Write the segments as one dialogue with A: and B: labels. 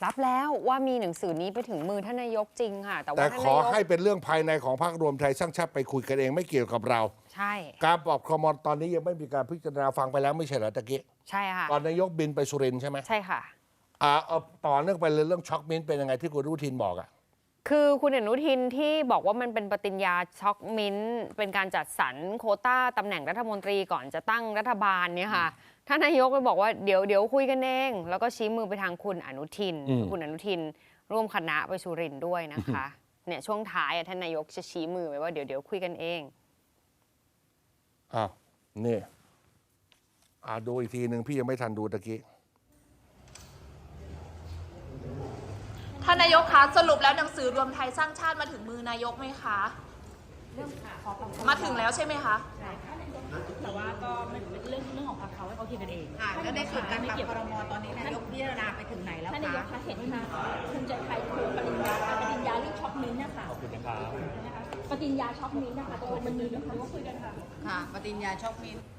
A: รับแล้วว่ามีหนังสือนี้ไปถึงมือท่านนายกจริงค่ะแต่
B: ขอให้เป็นเรื่องภายในของพรรครวมไทยสร้างชาติไปคุยกันเองไม่เกี่ยวกับเรา
A: ใช่
B: การปรับครม.ตอนนี้ยังไม่มีการพิจารณาฟังไปแล้วไม่ใช่เหรอตะกี้
A: ใช่ค่ะ
B: ตอนนายกบินไปสุรินทร์ใช่ไหม
A: ใช่ค่ะ
B: ต่อเนื่องไปเลยเรื่องช็อกมิ้นเป็นยังไงที่คุณอนุทินบอกอ่ะ
A: คือคุณอนุทินที่บอกว่ามันเป็นปฏิญญาช็อกมิ้นเป็นการจัดสรรโควต้าตำแหน่งรัฐมนตรีก่อนจะตั้งรัฐบาลเนี่ยค่ะท่านนายกไปบอกว่าเดี๋ยวคุยกันเองแล้วก็ชี้มือไปทางคุณอนุทินคุณอนุทินร่วมคณะไปสุรินทร์ด้วยนะคะเนี่ยช่วงท้ายท่านนายกจะชี้มือไว้ว่าเดี๋ยวคุยกันเอง
B: นี่ดูอีกทีหนึ่งพี่ยังไม่ทันดูตะกี้
C: ท่านนายกคะสรุปแล้วหนังสือรวมไทยสร้างชาติมาถึงมือนายกไหมคะมาถึงแล้วใช่ไหมคะ
D: ใช่ค่ะแต่ว่าก็มันเป็นเรื่องของพรรคเขาให้เขาคิดกันเอง
E: แล้วในส่วนการปรับครม.ตอนนี้นายกพิจารณาไปถึงไหนแล้วคะ
D: ท่านนายกคะเห็นค่ะภูมิใจไทยคือปริญญาเรื่องช็อกมิ้นท์นะคะขอบคุณนะคะปริญญาช็อกมิ้นท์นะคะตรงมันมีนะคะว่าคุยกันค่ะ
E: ค่ะปฏิญญาช็อกมิ้นท์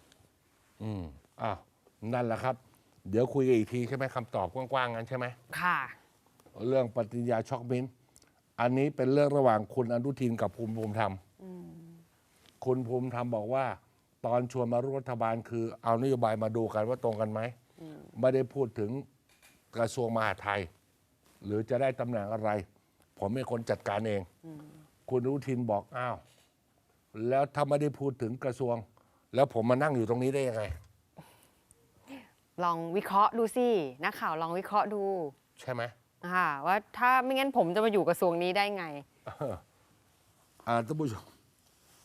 B: นั่นแหละครับเดี๋ยวคุยกันอีกทีใช่ไหมคำตอบกว้างๆงั้นใช่ไหม
A: ค่ะ
B: เรื่องปฏิญญาช็อกมิ้นอันนี้เป็นเรื่องระหว่างคุณอนุทินกับภูมิธรรมคุณภูมิธรรมบอกว่าตอนชวนมาร่วมรัฐบาลคือเอานโยบายมาดูกันว่าตรงกันไหมไม่ได้พูดถึงกระทรวงมหาดไทยหรือจะได้ตำแหน่งอะไรผมเป็นคนจัดการเองคุณอนุทินบอกอ้าวแล้วถ้าไม่ได้พูดถึงกระทรวงแล้วผมมานั่งอยู่ตรงนี้ได้ยังไง
A: ลองวิเคราะห์ดูสินักข่าวลองวิเคราะห์ดู
B: ใช่ไหม
A: ค่ะว่าถ้าไม่งั้นผมจะมาอยู่กระทรวงนี้ได้ไง
B: ท่านผู้ชม